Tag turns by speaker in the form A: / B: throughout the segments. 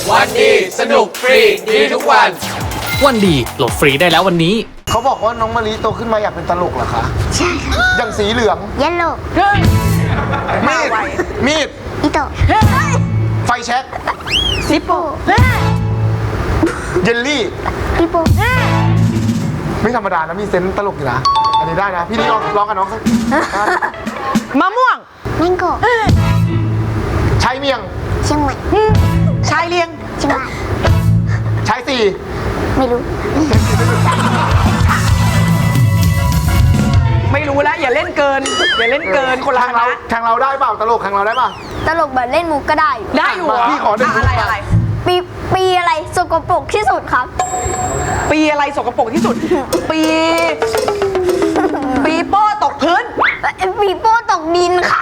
A: วันดีสนุกฟรีดีทุกวัน
B: วันดีโหลดฟรีได้แล้ววันนี้
C: เขาบอกว่าน้องมะลิโตขึ้นมาอยากเป็นตลกเหรอคะ
D: ใช่ค่ะ
C: อย่างสีเหลือง
D: เยลโล่
C: มีดมีด
D: อิโตะ
C: ไฟแช็ก
D: ซิปโป
C: เยลลี่
D: ปิโป
C: ไม่ธรรมดานะมีเซนส์ตลกอยู่นะอันนี้ได้นะพี่นี่ร้องกับน้องเขา
E: มะม่วง
D: แมงโก้
C: ใช้เมียง
D: เชียงใหม่
E: ชายเลียง
D: เชียงราย
C: ใช้สี่
D: ไม่รู้
E: ไม่รู้แล้วอย่าเล่นเกิน อย่าเล่นเกินคนละ
C: ทางเรา
E: นะ
C: ทางเราได้เปล่าตลกทางเราได้เปล่า
D: ตลกแบบเล่นมุกก็ได้อยู่
E: ได้อยู่เหรอ
C: พี่ขอหนึ่ง
E: อะไรอะไร
D: ปีอะไรสกปรกที่สุดครับ
E: ปีอะไรสกปรกที่สุด ปีโป้ตกพื้น
D: ปีโป้ตกดินค่ะ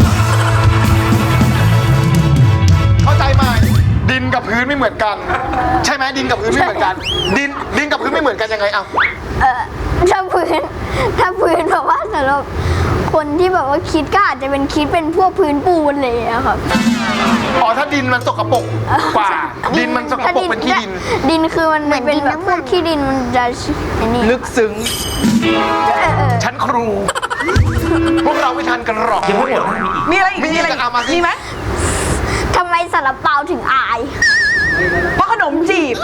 C: เข้าใจไหมดินกับพื้นไม่เหมือนกัน ใช่ไหมดินกับพื้นไม่เหมือนกัน ดินกับพื้นไม่เหมือนกันยังไงเอา
D: ถ้าพื้นแบบว่าสำหรับคนที่แบบว่าคิดก็อาจจะเป็นคิดเป็นพวกพื้นปูนเลยอะครับ
C: อ๋อถ้าดินมันสกปรกกว่า ดินมันสกปรกเป็นขี้ดิน
D: ดินคือมันเป็นแบบพวกขี้ดินมันจะไอ้นี่
E: ลึกซึ้ง
C: ชั้นครู พวกเราไม่ทันกันหรอกยังไม่หมด
E: มีอะไรอีก
C: มีอะไรเอามาสิ
E: มีไหม
D: ทำไมซาลาเปาถึงอาย
E: เพราะขนมจีบ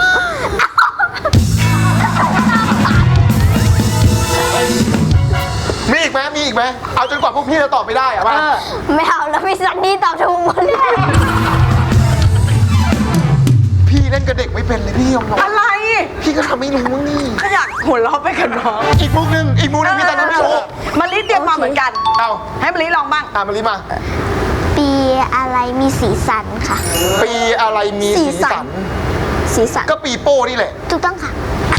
C: มีอีกไหมมีอีกไหมเอาจนกว่าพวกพี่จะตอบไม่ได้อะป่ะ
D: ไม่เอาแล้วพี่ซันนี่ตอบถูกหมดเลย
C: พี่เล่นกับเด็กไม่เป็นเลยพี่ยอมรับ
E: อะไร
C: พี่ก็ทำไม่รู้นี่
E: ก็อยากหัวเราะไปกับน้อง
C: อีกมุกหนึ่งพี่แต่ไม่รู้
E: มาลิเตรียมมาเหมือนกัน
C: เอา
E: ให้มาลิลองบ้าง
C: มาลิมา
D: ปีอะไรมีสีสันค่ะ
C: ปีอะไรมีสีสัน
D: สีสัน
C: ก็ปีโป้นี่แหละ
D: ถูกต้องค่ะ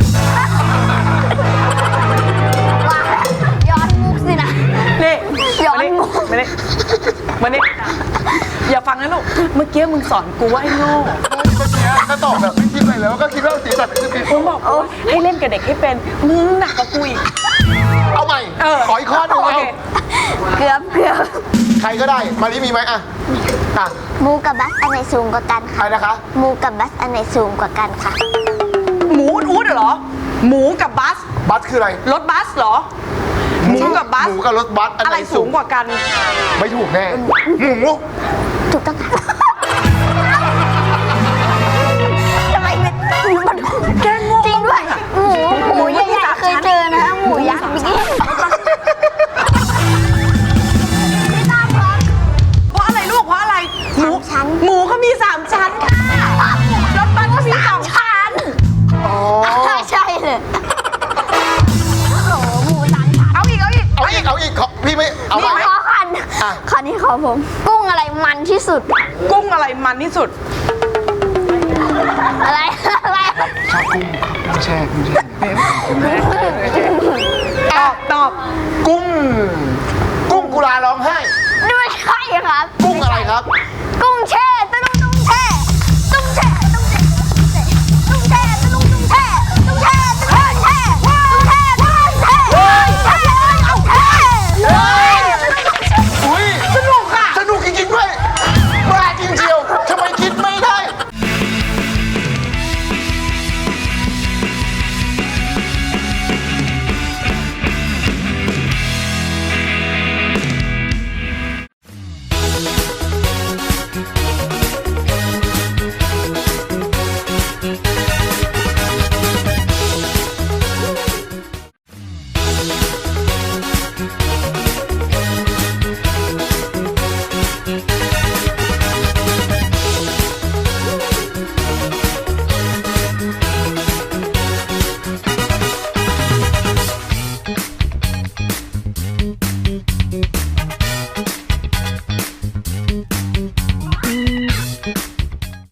D: ว่าย้อนมุกสินะ
E: นี่
D: ย้อนมุก
E: มานี่อย่าฟังนะลูก เมื่อกี้มึงสอนกูว่าไอ้โง่
C: เมื่อกี้ก็ตอบแบบไม่คิดอะไรแล้วก็คิดว่าสีสันคือปี
E: มึ
C: โป้
E: งบอกว่าให้เล่นกับเด็กให้เป็น มึงหนักกว่ากูอีก
C: เอาใหม่
E: เออ
C: ขออีกข้อหนึ่ง
E: โอ
C: เอา
E: เค
D: เกือบ
C: ใครก็ได้มาลิมีไหมอ่ะ
D: หมูกับบัสอันไหนสูงกว่ากัน
C: ใคร
D: ค่ะ
C: นะคะ
D: หมูกับบัสอันไหนสูงกว่ากันค่ะ
E: หมูอู๊ดเหรอ หมูกับบัส
C: บัสคืออะไร
E: รถบัสเหรอ หมูกับบัส
C: หมูกับรถบัสอัน
E: อะ
C: ไห
E: ไร
C: น
E: สูงกว่ากัน
C: ไม่ถูกแน่หมู
D: ถูกต้องค่ะทำไมมันแกงจริงด้วยหมูใหญ่ๆเคยเจอนะหมูยักษ์บิ๊กไม่ตามครับ
E: เพราะอะไรลูก เพราะอะไร หมู
D: ชั้น
E: หมูเขามี 3 ชั้นค่ะรถบัสก็มี2ชั้น
C: อ๋อ
D: ใช่เลยโอ้โหหมูสามชั้น
E: เอาอีก
C: เอาอีกขอพี่ไม่เอา
D: ขอ
C: มา
D: คัน
C: อ่ะ
D: คันนี้ขอผม กุ้งอะไรมันที่สุด
E: กุ้งอะไรมันที่สุด
D: อะไร
C: ชอบกุ้งครับแช่กุ้งแช่
E: ตอบ
C: กุ้งกุลาร้องไห้
D: ไม่ใช่ครับ
C: กุ้งอะไรครับ
D: กุ้งแช่